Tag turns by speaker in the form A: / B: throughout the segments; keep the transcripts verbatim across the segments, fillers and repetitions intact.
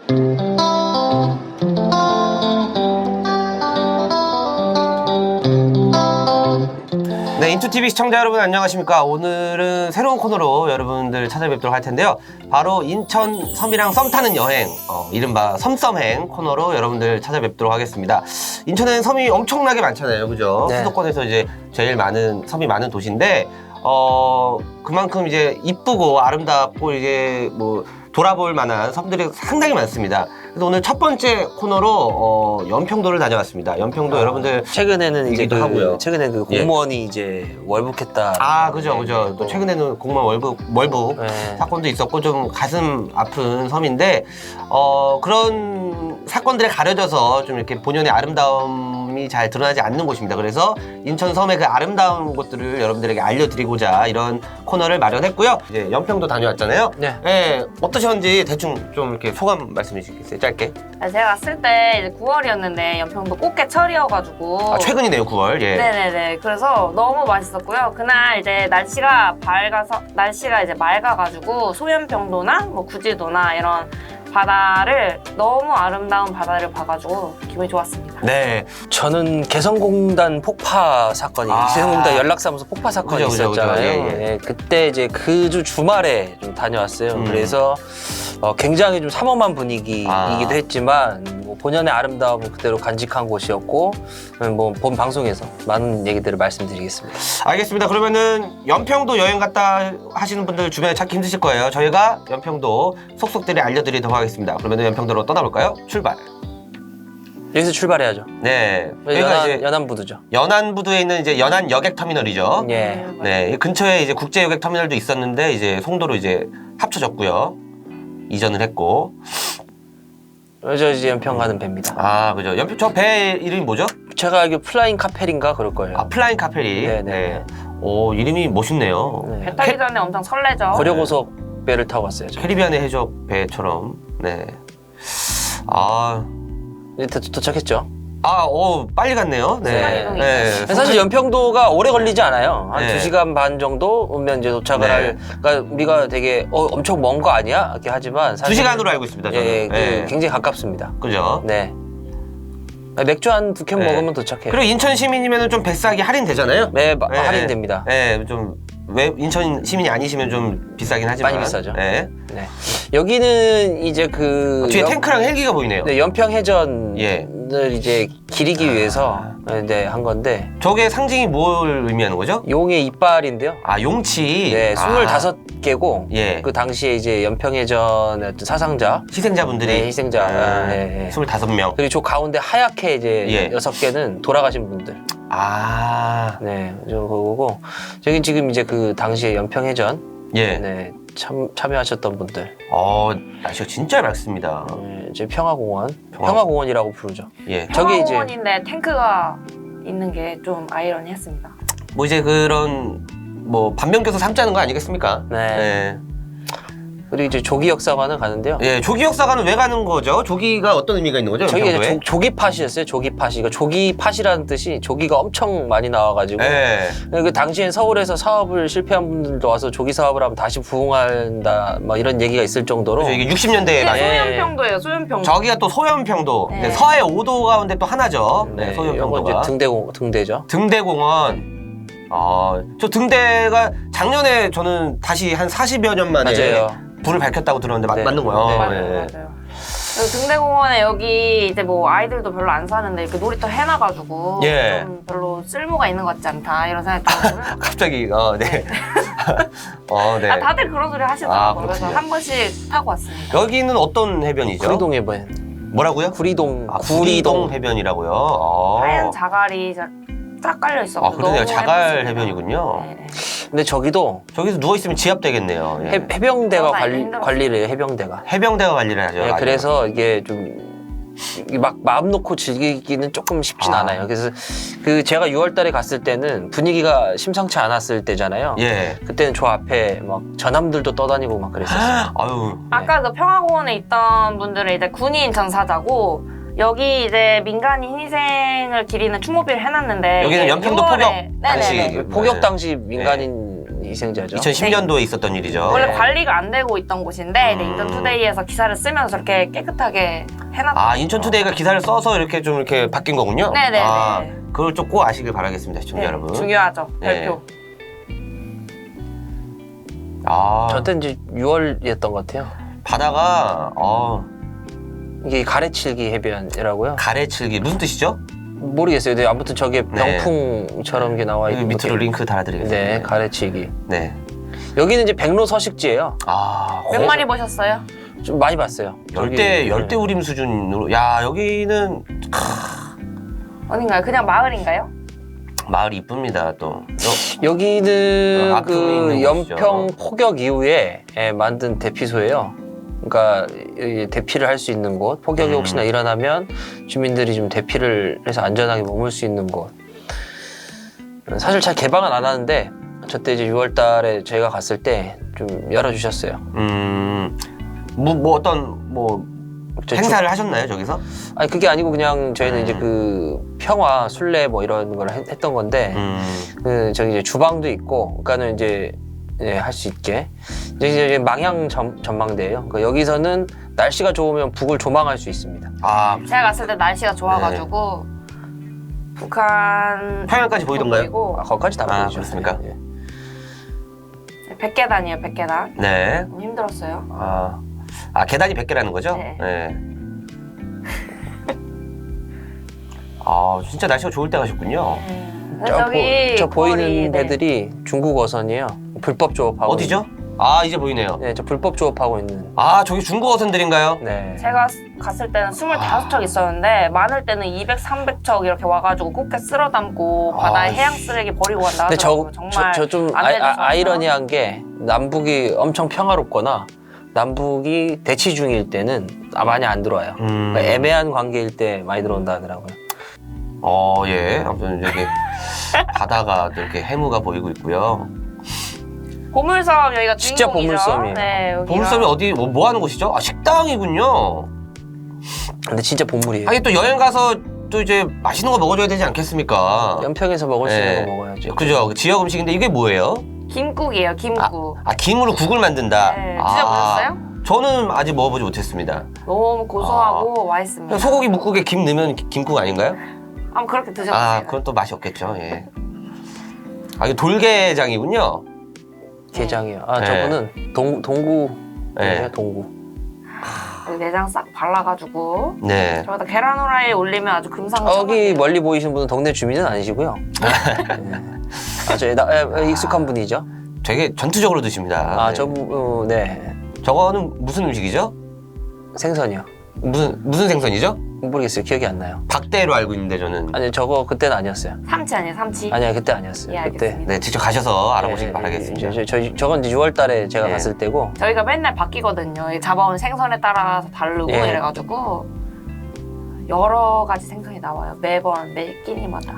A: 네, 인투티비 시청자 여러분 안녕하십니까. 오늘은 새로운 코너로 여러분들 찾아뵙도록 할 텐데요. 바로 인천 섬이랑 썸 타는 여행, 어, 이른바 섬썸행 코너로 여러분들 찾아뵙도록 하겠습니다. 인천에는 섬이 엄청나게 많잖아요, 그죠?
B: 네.
A: 수도권에서 이제 제일 많은 섬이 많은 도시인데, 어 그만큼 이제 이쁘고 아름답고 이제 뭐 돌아볼 만한 섬들이 상당히 많습니다. 그래서 오늘 첫 번째 코너로 어, 연평도를 다녀왔습니다. 연평도
B: 아,
A: 여러분들
B: 최근에는 이제 그,
A: 하고요.
B: 최근에 그
A: 예.
B: 공무원이 이제 월북했다.
A: 아, 그죠, 그죠. 또 최근에는 공무원 월북, 월북
B: 네.
A: 사건도 있었고 좀 가슴 아픈 섬인데, 어, 그런 사건들에 가려져서 좀 이렇게 본연의 아름다움이 잘 드러나지 않는 곳입니다. 그래서 인천 섬의 그 아름다운 곳들을 여러분들에게 알려드리고자 이런 코너를 마련했고요. 이제 연평도 다녀왔잖아요.
B: 네.
A: 네, 어떠셨는지 대충 좀 이렇게 소감 말씀해 주시겠어요? 짧게.
C: 제가 갔을 때 이제 구월이었는데 연평도 꽃게철이어가지고
A: 아, 최근이네요, 구월. 예.
C: 네네네. 그래서 너무 맛있었고요. 그날 이제 날씨가 밝아서 날씨가 이제 맑아가지고 소연평도나 뭐 구지도나 이런 바다를 너무 아름다운 바다를 봐가지고 기분이 좋았습니다.
A: 네.
B: 저는 개성공단 폭파 사건이
A: 아.
B: 개성공단 연락사무소 폭파 사건이
A: 그죠, 그죠,
B: 있었잖아요.
A: 그죠. 예, 예.
B: 예, 그때 이제 그 주 주말에 좀 다녀왔어요.
A: 음.
B: 그래서 어, 굉장히 좀 삼엄한 분위기이기도
A: 아.
B: 했지만 뭐 본연의 아름다움을 그대로 간직한 곳이었고, 뭐 본 방송에서 많은 얘기들을 말씀드리겠습니다.
A: 알겠습니다. 그러면은 연평도 여행 갔다 하시는 분들 주변에 찾기 힘드실 거예요. 저희가 연평도 속속들이 알려드리도록 하겠습니다. 그러면 연평도로 떠나볼까요? 출발.
B: 여기서 출발해야죠.
A: 네. 여기가
B: 연안,
A: 이제
B: 연안부두죠.
A: 연안부두에 있는 이제 연안 여객터미널이죠.
B: 예.
A: 네. 이 근처에 이제 국제 여객터미널도 있었는데 이제 송도로 이제 합쳐졌고요. 이전을 했고.
B: 저 이제 연평 가는 배입니다.
A: 아, 그죠. 연평 저 배 이름이 뭐죠?
B: 제가 알기로 플라잉 카펠인가 그럴 거예요.
A: 아, 플라잉 카페리.
B: 네네.
A: 네. 오, 이름이 멋있네요.
B: 네.
C: 배 타기 전에 엄청 설레죠.
B: 고려고속 배를 타고 갔어요. 저.
A: 캐리비안의 해적 배처럼. 네. 아,
B: 이제 도, 도착했죠.
A: 아, 오, 빨리 갔네요. 네.
C: 순간이동이
A: 네.
B: 사실 연평도가 오래 걸리지 않아요. 한
A: 네.
B: 두 시간 반 정도 오면 이제 도착을
A: 네.
B: 할. 그러니까 우리가 되게 어, 엄청 먼 거 아니야? 이렇게 하지만
A: 두
B: 사실
A: 시간으로 알고 있습니다. 저는.
B: 예, 그
A: 네.
B: 굉장히 가깝습니다.
A: 그죠?
B: 네. 맥주 한 두 캔
A: 네.
B: 먹으면 도착해요.
A: 그리고 인천 시민이면 좀 뱃싸기 할인되잖아요.
B: 네, 마-
A: 네.
B: 할인됩니다.
A: 네, 좀 왜 인천 시민이 아니시면 좀 비싸긴 하지만
B: 많이 비싸죠.
A: 네.
B: 네. 여기는 이제 그
A: 뒤에
B: 연-
A: 탱크랑 헬기가 보이네요.
B: 네, 연평 해전을
A: 예.
B: 이제 기리기
A: 아.
B: 위해서 네, 한 건데
A: 저게 상징이 뭘 의미하는 거죠?
B: 용의 이빨인데요.
A: 아, 용치.
B: 네,
A: 아,
B: 스물다섯 개고
A: 예.
B: 그 당시에 이제 연평해전의 어떤 사상자,
A: 희생자분들이
B: 네, 희생자,
A: 아,
B: 예, 예.
A: 스물다섯 명.
B: 그리고 저 가운데 하얗게 이제
A: 예.
B: 여섯 개는 돌아가신 분들.
A: 아.
B: 네, 저 그거고 저기 지금 이제 그 당시에 연평해전
A: 예.
B: 네, 참 참여하셨던 분들.
A: 어, 날씨가 진짜 맑습니다.
B: 네, 이제 평화공원,
A: 평화-
B: 평화공원이라고 부르죠.
A: 예.
B: 저기 이제-
C: 평화공원인데 탱크가 있는 게 좀 아이러니했습니다.
A: 뭐 이제 그런 뭐 반면교사 삼자는 거 아니겠습니까?
B: 네. 그리고 이제 조기 역사관을 가는데요.
A: 예, 조기 역사관은 왜 가는 거죠? 조기가 어떤 의미가 있는 거죠?
B: 저기 이제
A: 연평도에?
B: 조, 조기팟이었어요. 조기팟이. 그러니까 조기팟이라는 뜻이 조기가 엄청 많이 나와가지고
A: 예.
B: 그 당시엔 서울에서 사업을 실패한 분들도 와서 조기 사업을 하면 다시 부흥한다 막 이런 얘기가 있을 정도로
A: 그래서 이게 육십 년대에
C: 이게
A: 많이.
B: 예.
C: 소연평도예요. 소연평도.
A: 저기가 또 소연평도.
C: 네.
A: 네, 서해 오 도 가운데 또 하나죠. 네,
B: 네, 이거
A: 소연평도가.
B: 이제 등대공 등대죠.
A: 등대공원. 아, 저 등대가 작년에 저는 다시 한 사십여 년 만에
B: 맞아요.
A: 불을 밝혔다고 들었는데 마-
B: 네.
A: 맞는 거예요.
B: 네,
C: 맞아요,
A: 예.
C: 맞아요. 그리고 등대공원에 여기 이제 뭐 아이들도 별로 안 사는데 이렇게 놀이터 해놔가지고
A: 예.
C: 좀 별로 쓸모가 있는 것 같지 않다 이런 생각이 들거든요.
A: 갑자기 어, 네. 어, 네.
C: 아, 다들 그런 소리
A: 아,
C: 하시더라고요. 그래서
A: 그렇군요.
C: 한 번씩 타고 왔습니다.
A: 여기는 어떤 해변이죠?
B: 구리동 해변.
A: 뭐라고요?
B: 구리동.
A: 아, 구리동 해변이라고요. 어.
C: 하얀 자갈이 자- 쫙 깔려 있어.
A: 아, 그러네요. 자갈 해변이군요.
C: 네.
B: 근데 저기도
A: 저기서 누워 있으면 지압 되겠네요. 예.
B: 해, 해병대가
C: 어,
B: 관리,
C: 힘들었어요.
B: 관리를 해요. 해병대가.
A: 해병대가 관리를 하죠.
B: 예,
A: 맞아요.
B: 그래서 이게 좀 막 마음 놓고 즐기기는 조금 쉽진
A: 아.
B: 않아요. 그래서 그 제가 유월 달에 갔을 때는 분위기가 심상치 않았을 때잖아요.
A: 예.
B: 그때는 저 앞에 막 전함들도 떠다니고 막 그랬었어요.
A: 아유.
C: 아까 그 평화공원에 있던 분들은 이제 군인 전사자고 여기 이제 민간인 희생을 기리는 추모비를 해놨는데
A: 여기는
C: 이게
A: 연평도
C: 유월에-
A: 포격
C: 네네네.
A: 당시
B: 네. 포격 당시 민간인 희생자죠.
A: 이천십 년도에 있었던 일이죠.
C: 원래
B: 네.
C: 관리가 안 되고 있던 곳인데
A: 음.
C: 네, 인천투데이에서 기사를 쓰면서 저렇게 깨끗하게 해놨던
A: 아, 인천투데이가 기사를 써서 이렇게 좀 이렇게 바뀐 거군요.
C: 네네네.
A: 아, 그걸 좀 꼭 아시길 바라겠습니다, 시청자
C: 네,
A: 여러분.
C: 중요하죠.
A: 네.
C: 별표.
A: 아,
B: 저때 이제 유월이었던 것 같아요.
A: 바다가 어,
B: 이게 가래칠기 해변이라고요.
A: 가래칠기 무슨 뜻이죠?
B: 모르겠어요. 근데 아무튼 저게
A: 네.
B: 병풍처럼 이게 나와
A: 여기
B: 있는
A: 밑으로
B: 것도-
A: 링크 달아드리겠습니다.
B: 네, 가래치기.
A: 네.
B: 여기는 이제 백로 서식지예요.
A: 아,
C: 몇
A: 거-
C: 마리 보셨어요?
B: 좀 많이 봤어요.
A: 열대
B: 여기-
A: 열대 우림 수준으로. 야, 여기는
C: 어딘가요? 그냥 마을인가요?
A: 마을이 이쁩니다. 또 여-
B: 여기는
A: 어, 앞쪽에
B: 그
A: 있는
B: 연평
A: 곳이죠.
B: 포격 이후에 예, 만든 대피소예요. 그러니까 이 대피를 할 수 있는 곳, 폭격이
A: 음.
B: 혹시나 일어나면 주민들이 좀 대피를 해서 안전하게 머물 수 있는 곳. 사실 잘 개방은 안 하는데 저때 이제 유월 달에 저희가 갔을 때 좀 열어주셨어요.
A: 음, 뭐, 뭐 어떤 뭐
B: 저
A: 행사를 하셨나요 저기서?
B: 아니 그게 아니고 그냥 저희는
A: 음.
B: 이제 그 평화 순례 뭐 이런 걸 했- 했던 건데
A: 음,
B: 그 저기 이제 주방도 있고 그러니까는 이제 예, 할 수 있게 이제 이제 망향 전, 전망대예요. 그러니까 여기서는 날씨가 좋으면 북을 조망할 수 있습니다.
A: 아,
C: 제가 갔을 때 날씨가 좋아가지고 북한
A: 평양까지 보이던가요?
C: 보이고
B: 아, 거기까지 다
A: 아,
B: 보이죠.
A: 그렇습니까?
B: 예.
C: 백계단이에요, 백계단.
A: 네.
C: 너무 힘들었어요.
A: 아, 아 계단이 백 개라는 거죠?
C: 네.
A: 아, 진짜 날씨가 좋을 때 가셨군요.
C: 음.
B: 저,
C: 저기
B: 보, 저 보이는
C: 거리, 네.
B: 배들이 중국 어선이에요. 불법 조업하고
A: 어디죠? 아, 이제 보이네요.
B: 있는, 네, 저 불법 조업하고 있는.
A: 아, 저기 중국 어선들인가요?
B: 네.
C: 제가 갔을 때는 스물다섯 척 있었는데 많을 때는 이백, 삼백 척 이렇게 와가지고 꽃게 쓸어 담고 바다에
A: 아,
C: 해양 쓰레기 버리고 간다
B: 근데
C: 하더라고요.
B: 저
C: 정말
B: 저 좀
C: 안 되는
B: 아, 이러니한게 남북이 엄청 평화롭거나 남북이 대치 중일 때는 아, 많이 안 들어와요.
A: 음.
B: 그러니까 애매한 관계일 때 많이 들어온다 하더라고요.
A: 어, 예. 아무튼 여기 바다가 또 이렇게 해무가 보이고 있고요.
C: 보물섬 여기가
B: 진짜
C: 주인공이죠.
B: 보물섬이에요.
C: 네, 여기가.
A: 보물섬이 어디 뭐, 뭐 하는 곳이죠? 아, 식당이군요.
B: 근데 진짜 보물이에요.
A: 하긴 또 여행 가서 또 이제 맛있는 거 먹어줘야 되지 않겠습니까?
B: 연평에서 먹을 수 있는
A: 네.
B: 거 먹어야죠.
A: 그죠? 지역 음식인데 이게 뭐예요?
C: 김국이에요, 김국.
A: 아, 김으로 국을 만든다.
C: 네,
A: 아,
C: 드셔보셨어요?
A: 저는 아직 먹어보지 못했습니다.
C: 너무 고소하고 맛있습니다.
A: 소고기 묵국에 김 넣으면 기- 김국 아닌가요?
C: 한번 그렇게 드셔보세요.
A: 아, 그건 또 맛이 없겠죠. 예. 아, 이거 돌게장이군요.
B: 게장이요. 아
A: 네.
B: 저분은 동 동구
A: 네.
B: 동구.
C: 여기 내장 싹 발라가지고
A: 네.
C: 저기다 계란 후라이 올리면 아주
B: 아,
C: 금상첨화.
B: 여기 멀리 보이시는 분은 동네 주민은 아니시고요. 네. 아주 나- 에, 익숙한 분이죠.
A: 되게 전투적으로 드십니다.
B: 아
A: 네.
B: 저분 어, 네
A: 저거는 무슨 음식이죠?
B: 생선이요.
A: 무슨 무슨 생선이죠?
B: 모르겠어요. 기억이 안 나요.
A: 박대로 알고 있는데 저는.
B: 아니 저거 그때는 아니었어요.
C: 삼치 아니에요, 삼치?
B: 아니야 그때 아니었어요.
C: 예,
B: 그때.
C: 알겠습니다.
A: 네, 직접 가셔서 알아보시기
B: 네,
A: 바라겠습니다.
B: 저, 저, 저, 저건 이제 유월달에 제가
A: 예.
B: 갔을 때고.
C: 저희가 맨날 바뀌거든요. 이 잡아온 생선에 따라서 다르고
B: 예.
C: 이래가지고 여러 가지 생선이 나와요. 매번 매 끼니마다.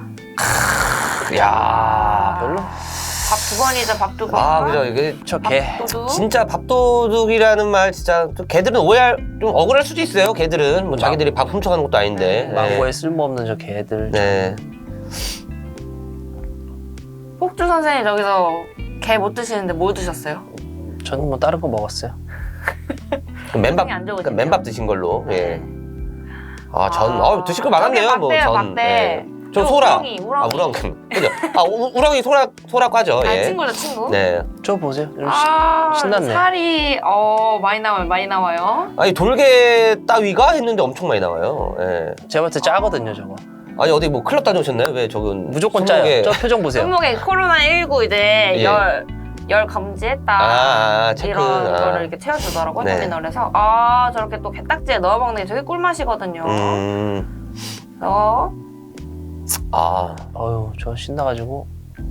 A: 야,
B: 별로.
C: 밥 두 번이죠, 밥 두 번.
A: 아, 그죠. 이게
B: 저 개.
C: 밥도둑.
A: 진짜 밥도둑이라는 말 진짜 또 걔들은 오해할 좀 억울할 수도 있어요. 걔들은 뭐 자기들이 밥 훔쳐가는 것도 아닌데.
B: 망고에 쓸모없는 저 개들.
A: 네.
C: 폭주 선생님 저기서 게 못 드시는데 뭐 드셨어요?
B: 저는 뭐 다른 거 먹었어요.
A: 그럼 맨밥
C: 안 좋으시네요.
A: 그러니까 맨밥 드신 걸로. 예. 아, 전
C: 아,
A: 어, 드실 거 많았네요.
C: 저게
A: 뭐
C: 박대예요,
A: 전.
C: 박대.
A: 예. 저
C: 저
A: 소라.
C: 우렁이, 우렁이.
A: 아, 우렁. 그죠? 아, 우, 우렁이 소라 소라 과죠.
C: 아,
A: 예.
C: 친구죠, 친구.
A: 네.
B: 저 보세요. 좀
C: 아,
B: 신났네.
C: 살이 어 많이 나와요, 많이 나와요.
A: 아니 돌게 따위가 했는데 엄청 많이 나와요. 예.
B: 시- 제가 봤을 때 짜거든요 저거.
A: 아니 어디 뭐 클럽 다녀오셨나요? 왜 저건
B: 무조건
A: 손목에-
B: 짜요. 저 표정 보세요.
C: 손목에 코로나 십구 이제
A: 예.
C: 열, 열 감지했다.
A: 아, 아, 체크.
C: 이런
A: 아.
C: 거를 이렇게 채워주더라고요,
A: 네.
C: 터미널에서. 아, 저렇게 또 게딱지에 넣어 먹는 게 저게 꿀맛이거든요.
A: 음.
C: 어?
A: 아.
B: 어휴 저 신나가지고.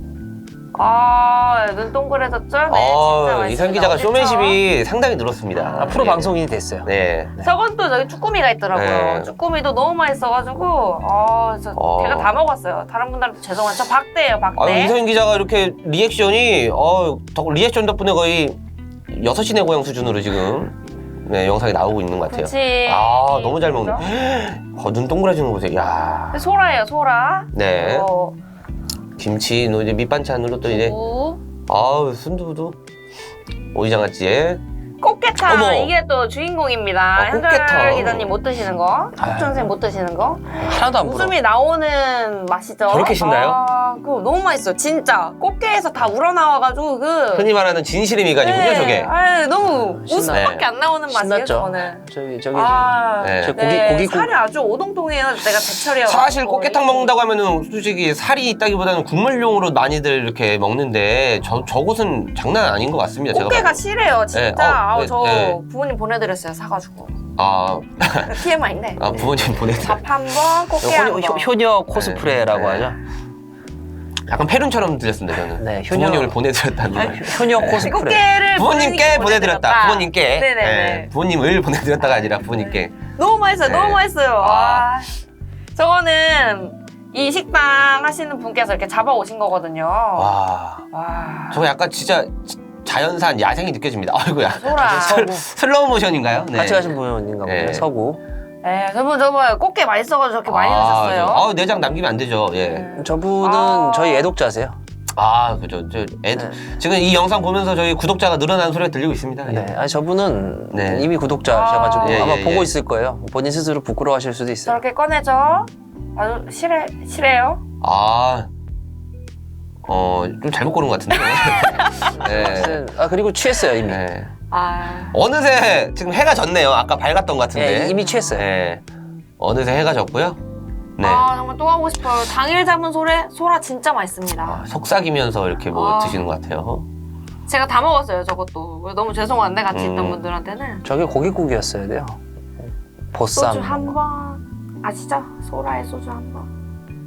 C: 아, 눈 동그래졌죠? 네, 진짜
A: 아,
C: 맛있습니다.
A: 이상 기자가
C: 그쵸?
A: 쇼맨십이 상당히 늘었습니다.
B: 아, 프로
A: 예.
B: 방송인이 됐어요.
A: 네.
C: 저건 또 저기 쭈꾸미가 있더라고요.
A: 네.
C: 쭈꾸미도 너무 맛있어가지고, 아, 저
A: 어.
C: 제가 다 먹었어요. 다른 분들한테 죄송한데, 저 박대예요, 박대.
A: 아, 이상 기자가 이렇게 리액션이 어, 덕- 리액션 덕분에 거의 여섯 시내 고향 수준으로 지금 네, 영상이 나오고 있는 것 같아요.
C: 그치.
A: 아, 너무 잘 먹네.
C: 그죠?
A: 어, 눈 동그라지는 거 보세요. 야.
C: 소라예요, 소라.
A: 네.
C: 어,
A: 김치, 너 이제 밑반찬으로 또 이제
C: 두부.
A: 아우 순두부도 오이장아찌에
C: 꽃게탕
A: 어머.
C: 이게 또 주인공입니다.
A: 아,
C: 현철
A: 꽃게탕.
C: 기자님 못 드시는 거,
B: 아.
C: 석준생 못 드시는 거.
B: 하나도 안 불어.
C: 웃음이 나오는 맛이죠.
A: 저렇게 신나요?
C: 아, 그거 너무 맛있어, 진짜. 꽃게에서 다 우러나와가지고 그.
A: 흔히 말하는 진실의 미간이군요, 저게.
C: 아, 너무
B: 신나.
C: 웃음밖에 안 나오는 맛이에요,
B: 신났죠.
C: 저는.
B: 저기 저기
C: 아,
A: 네.
B: 저 고기
C: 네,
B: 고기 국
C: 살이 아주 오동통해요. 내가 제철이어.
A: 사실 꽃게탕 먹는다고 하면은 솔직히 살이 있다기보다는 국물용으로 많이들 이렇게 먹는데 저, 저곳은 장난 아닌 것 같습니다. 제가
C: 꽃게가
A: 봐도.
C: 실해요, 진짜.
A: 네, 어,
C: 아우,
A: 네,
C: 저
A: 네.
C: 부모님 보내드렸어요, 사가지고.
A: 아,
C: 티엠아이인데.
A: 아 부모님 보내드려.
C: 밥 한 번, 꽃게 한
B: 효,
C: 번.
B: 효, 효녀 코스프레라고
A: 네.
B: 하죠.
A: 약간 페룬처럼 들렸습니다 저는.
B: 네, 효녀-
A: 부모님을 보내드렸다는 말.
B: 효녀 코스프레.
C: 꽃게를
A: 부모님께 보내드렸다. 부모님께.
C: 네네네.
A: 네, 부모님을 보내드렸다가 아니라 부모님께.
C: 너무 맛있어요.
A: 네.
C: 너무 맛있어요.
A: 아.
C: 아. 저거는 이 식당 하시는 분께서 이렇게 잡아오신 거거든요. 와.
A: 와, 저거 약간 진짜 자연산 야생이 느껴집니다. 아이고야.
C: 소라.
A: 슬- 슬로우 모션인가요? 네.
B: 같이 가신 분인가 보네요.
A: 네.
B: 서구.
C: 네, 저분 저분 꽃게 맛있어가지고 저렇게 많이 넣으셨어요.
A: 저- 아, 내장 남기면 안 되죠. 예.
C: 네.
B: 저분은
C: 아.
B: 저희 애독자세요.
A: 아, 그죠. 저 애들
B: 네.
A: 지금 이 영상 보면서 저희 구독자가 늘어나는 소리가 들리고 있습니다. 예.
B: 네. 아니 저분은
A: 네.
B: 이미 구독자셔가지고
C: 아.
A: 예,
B: 아마
A: 예,
B: 보고
A: 예.
B: 있을 거예요. 본인 스스로 부끄러워하실 수도 있어요.
C: 저렇게 꺼내죠. 아주 실해 실해요.
A: 아, 어, 좀 잘못 고른 것 같은데. 네.
B: 아 그리고 취했어요 이미.
A: 네.
C: 아.
A: 어느새 지금 해가 졌네요. 아까 밝았던 것 같은데.
B: 예, 이미 취했어요.
A: 네. 어느새 해가 졌고요. 네.
C: 아 정말 또 하고 싶어요. 당일 잡은 소래 소라 진짜 맛있습니다.
A: 아, 속삭이면서 이렇게 뭐
C: 아.
A: 드시는 것 같아요.
C: 제가 다 먹었어요 저것도. 너무 죄송한데 같이 있던
A: 음.
C: 분들한테는.
B: 저게 고깃국이었어야 돼요. 보쌈.
C: 소주 한 번 아시죠? 소라의 소주 한 번.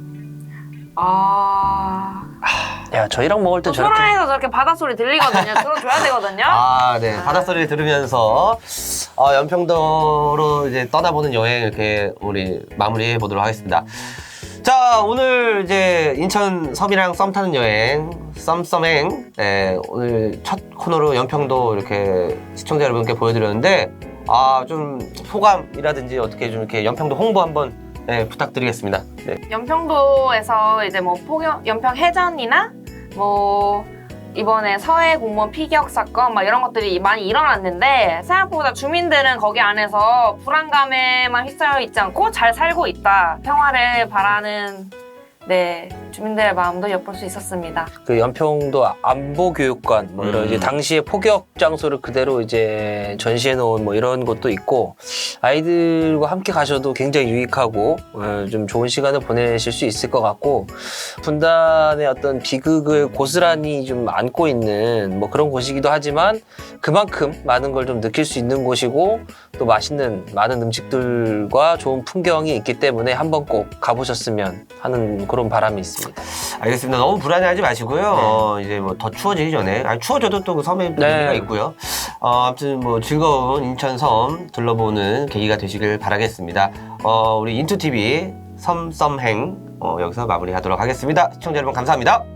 C: 아.
B: 야 저희랑 먹을 때
C: 또
B: 저렇게
C: 소라에서 저렇게 바닷소리 들리거든요. 들어줘야 되거든요.
A: 아, 네. 바닷소리를 들으면서 어, 연평도로 이제 떠나보는 여행 이렇게 우리 마무리해 보도록 하겠습니다. 자, 오늘 이제 인천 섬이랑 썸 타는 여행, 썸썸행. 네, 오늘 첫 코너로 연평도 이렇게 시청자 여러분께 보여드렸는데, 아, 좀 소감이라든지 어떻게 좀 이렇게 연평도 홍보 한번 네, 부탁드리겠습니다. 네.
C: 연평도에서 이제 뭐 포격, 연평 해전이나 뭐 이번에 서해 공무원 피격 사건 막 이런 것들이 많이 일어났는데 생각보다 주민들은 거기 안에서 불안감에만 휩싸여 있지 않고 잘 살고 있다. 평화를 바라는 네 주민들의 마음도 엿볼 수 있었습니다.
B: 그 연평도 안보교육관 뭐 이런
A: 음.
B: 이제 당시의 포격 장소를 그대로 이제 전시해 놓은 뭐 이런 것도 있고 아이들과 함께 가셔도 굉장히 유익하고 어, 좀 좋은 시간을 보내실 수 있을 것 같고 분단의 어떤 비극을 고스란히 좀 안고 있는 뭐 그런 곳이기도 하지만 그만큼 많은 걸 좀 느낄 수 있는 곳이고 또 맛있는 많은 음식들과 좋은 풍경이 있기 때문에 한번 꼭 가보셨으면 하는 그런 바람이 있습니다.
A: 알겠습니다. 너무 불안해하지 마시고요. 어, 이제 뭐 더 추워지기 전에, 아니, 추워져도 또 그 섬에 또
B: 네.
A: 의미가 있고요. 어, 아무튼 뭐 즐거운 인천 섬 둘러보는 계기가 되시길 바라겠습니다. 어, 우리 인투티비 섬썸행 어, 여기서 마무리하도록 하겠습니다. 시청자 여러분 감사합니다.